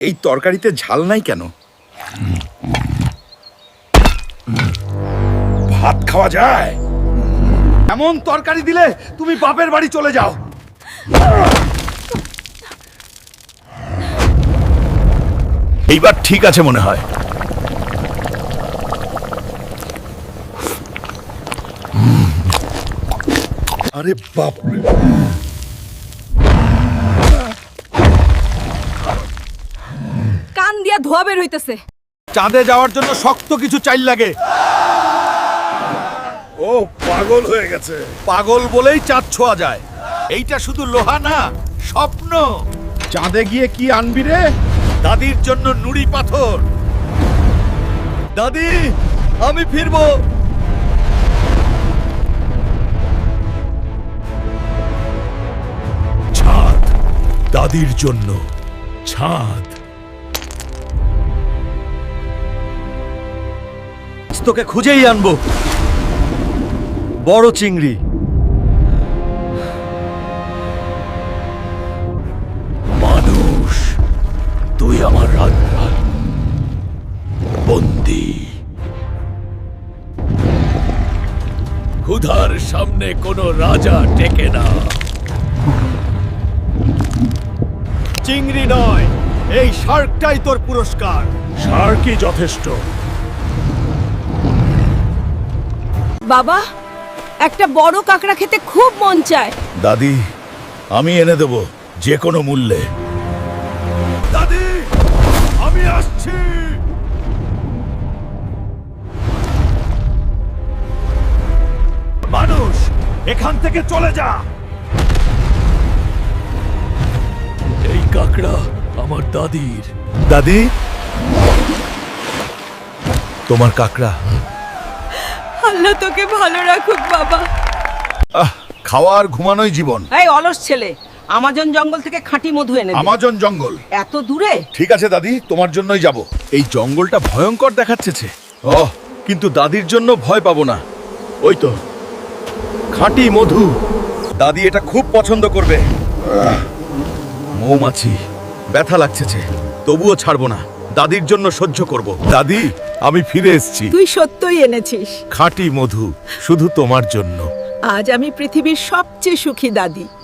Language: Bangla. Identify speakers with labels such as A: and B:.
A: এই তরকারিতে ঝাল নাই কেন? ভাত খাওয়া যায়? এমন তরকারি দিলে তুমি বাপের বাড়ি চলে যাও। এইবার ঠিক আছে মনে হয়। আরে বাপ রে,
B: কান দিয়া ধোয়া বের হইতেছে।
A: চাঁদে যাওয়ার জন্য শক্ত কিছু চাইল লাগে। ও পাগল হয়ে গেছে। পাগল বলেই চাঁদ ছোঁয়া যায়। এইটা শুধু লোহা না, স্বপ্ন। চাঁদে গিয়ে কি আনবি রে? দাদির জন্য নুড়ি পাথর। দাদি, আমি ফিরবো। ছাদ, দাদির জন্য ছাদ। তোকে খুঁজেই আনবো, বড় চিংড়ি। মানুষ, তুই আমার বন্দী। ক্ষুধার সামনে কোনো রাজা টেকে না। চিংড়ি নয়, এই শার্কটাই তোর পুরস্কার। শার্কই যথেষ্ট।
B: বাবা, একটা বড় কাঁকড়া খেতে খুব মন চায়।
A: দাদি, আমি এনে দেব যে কোনো মূল্যে। দাদি, আমি আসছি। মানুষ, এখান থেকে চলে যা। এই কাকড়া আমার দাদির। দাদি, তোমার কাকড়া।
B: আল্লাহ তোকে ভালো রাখুক বাবা।
A: খাওয়া আর ঘুমানোই জীবন।
C: এই অলস ছেলে, আমাজন জঙ্গল থেকে খাঁটি মধু এনে দে।
A: আমাজন জঙ্গল
C: এত দূরে?
A: ঠিক আছে দাদি, তোমার জন্যই যাব। এই জঙ্গলটা ভয়ঙ্কর দেখাচ্ছে। কিন্তু দাদির জন্য ভয় পাবো না। ওই তো খাঁটি মধু। দাদি এটা খুব পছন্দ করবে। মৌমাছি, ব্যথা লাগছে, তবুও ছাড়বো না। দাদির জন্য সহ্য করব। দাদি, আমি ফিরে এসেছি।
C: তুই সত্যই এনেছিস
A: খাঁটি মধু, শুধু তোমার জন্য।
C: আজ আমি পৃথিবীর সবচেয়ে সুখী দাদি।